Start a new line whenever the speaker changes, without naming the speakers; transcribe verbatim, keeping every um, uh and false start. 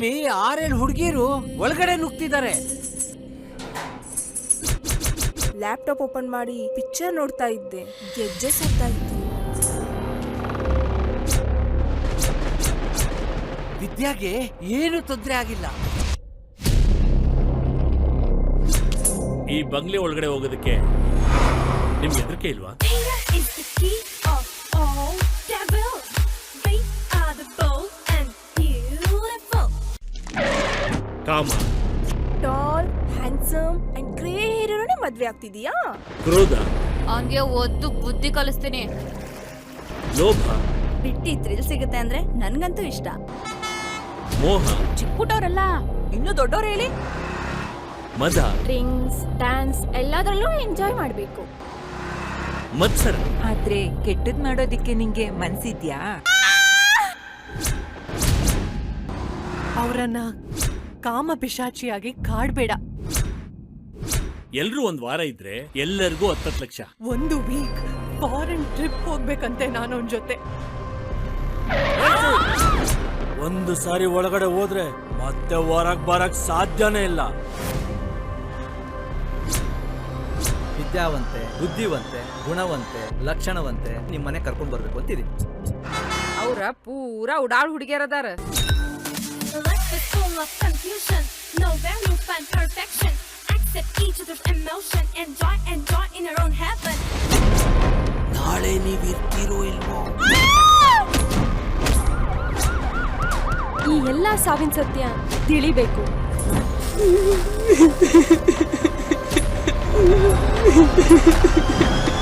ಇಲ್ಲಿ ಆರೇಳು ಹುಡುಗಿರು ಒಳಗಡೆ ನುಗ್ತಿದ್ದಾರೆ.
ಲ್ಯಾಪ್ಟಾಪ್ ಓಪನ್ ಮಾಡಿ ಪಿಕ್ಚರ್ ನೋಡ್ತಾ ಇದ್ದೆ. ಗೆಜ್ಜೆ ಸತ್ತಾ ಇತ್ತು.
ವಿದ್ಯಾಗೆ ಏನು ತೊಂದರೆ ಆಗಿಲ್ಲ.
ಈ ಬಂಗ್ಲೆ ಒಳಗಡೆ ಹೋಗೋದಕ್ಕೆ ನಿಮ್ಗೆ ಹೆದರಿಕೆ ಇಲ್ವಾ? ಕಾಮ,
ಟಾಲ್, ಹ್ಯಾಂಡ್ಸಮ್ ಅಂಡ್ ಗ್ರೇ ಹೇರೋನೇ ಮದ್ವೆ ಆಗ್ತಿದೀಯಾ?
ಕ್ರೋಧ,
ಅವನ್ಗೆ ಒದ್ದು ಬುದ್ಧಿ ಕಲಿಸ್ತೀನಿ.
ಲೋಭ,
ಬಿಟ್ಟಿ ಥ್ರಿಲ್ ಸಿಗುತ್ತೆ ಅಂದ್ರೆ ನನ್ಗಂತೂ ಇಷ್ಟ.
ಮೋಹ,
ಚಿಕ್ಕಪುಟ್ಟವ್ರಲ್ಲ ಇನ್ನು ದೊಡ್ಡವ್ರು ಹೇಳಿ.
ಮದ,
ಡ್ರಿಂಕ್ಸ್, ಡ್ಯಾನ್ಸ್ ಎಲ್ಲದರಲ್ಲೂ ಎಂಜಾಯ್ ಮಾಡ್ಬೇಕು.
ಮತ್ಸರ.
ಆದ್ರೆ ಕೆಟ್ಟದ್ ಮಾಡೋದಿಕ್ಕೆ ನಿಂಗೆ ಮನ್ಸಿದ್ಯಾ?
ಅವರನ್ನ ಕಾಮ ಪಿಶಾಚಿಯಾಗಿ ಕಾಡ್ಬೇಡ.
ಎಲ್ರೂ ಒಂದ್ ವಾರ ಇದ್ರೆ ಎಲ್ಲರಿಗೂ ಹತ್ತತ್ತು ಲಕ್ಷ.
ಒಂದು ವೀಕ್ ಫಾರಿನ್ ಟ್ರಿಪ್ ಹೋಗ್ಬೇಕಂತೆ ನಾನು ಅವನ ಜೊತೆ.
ಒಂದು ಸಾರಿ ಒಳಗಡೆ ಹೋದ್ರೆ ಮತ್ತೆ ಹೊರಗ್ ಬರಕ್ ಸಾಧ್ಯನೇ ಇಲ್ಲ.
ವಿದ್ಯಾವಂತೆ, ಬುದ್ಧಿವಂತೆ, ಗುಣವಂತೆ, ಲಕ್ಷಣವಂತೆ ನಿಮ್ ಮನೆ ಕರ್ಕೊಂಡ್ ಬರ್ಬೇಕು ಅಂತಿದೀನಿ.
ಅವ್ರ ಪೂರಾ ಉಡಾಳ್ ಹುಡುಗಿಯರದಾರ.
ನಾಳೆ ನೀವ್ ಇರ್ತೀರೋ ಇಲ್ವೋ?
ಈ ಎಲ್ಲಾ ಸಾವಿನ ಸತ್ಯ ತಿಳಿಬೇಕು.
¡Suscríbete al canal!